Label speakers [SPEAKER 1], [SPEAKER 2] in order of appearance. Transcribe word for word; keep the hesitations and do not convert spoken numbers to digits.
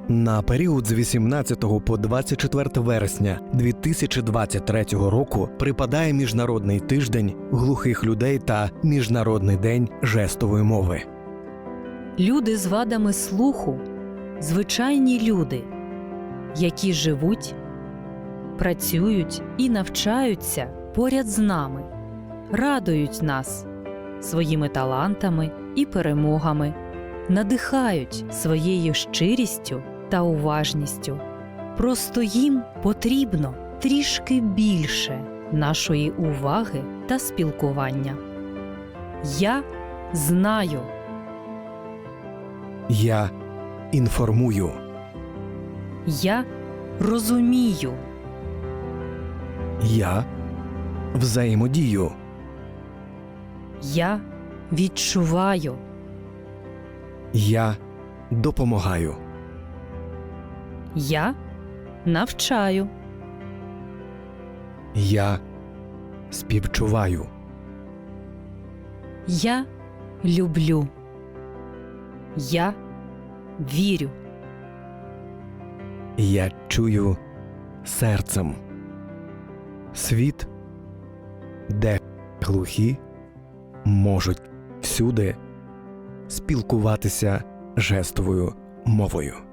[SPEAKER 1] На період з вісімнадцятого по двадцять четверте вересня дві тисячі двадцять третього року припадає Міжнародний тиждень глухих людей та Міжнародний день жестової мови.
[SPEAKER 2] Люди з вадами слуху – звичайні люди, які живуть, працюють і навчаються поряд з нами, радують нас своїми талантами і перемогами, надихають своєю щирістю та уважністю. Просто їм потрібно трішки більше нашої уваги та спілкування. Я знаю.
[SPEAKER 1] Я інформую.
[SPEAKER 2] Я розумію.
[SPEAKER 1] Я взаємодію.
[SPEAKER 2] Я відчуваю.
[SPEAKER 1] Я допомагаю.
[SPEAKER 2] Я навчаю.
[SPEAKER 1] Я співчуваю.
[SPEAKER 2] Я люблю. Я вірю.
[SPEAKER 1] Я чую серцем. Світ, де глухі можуть всюди спілкуватися жестовою мовою.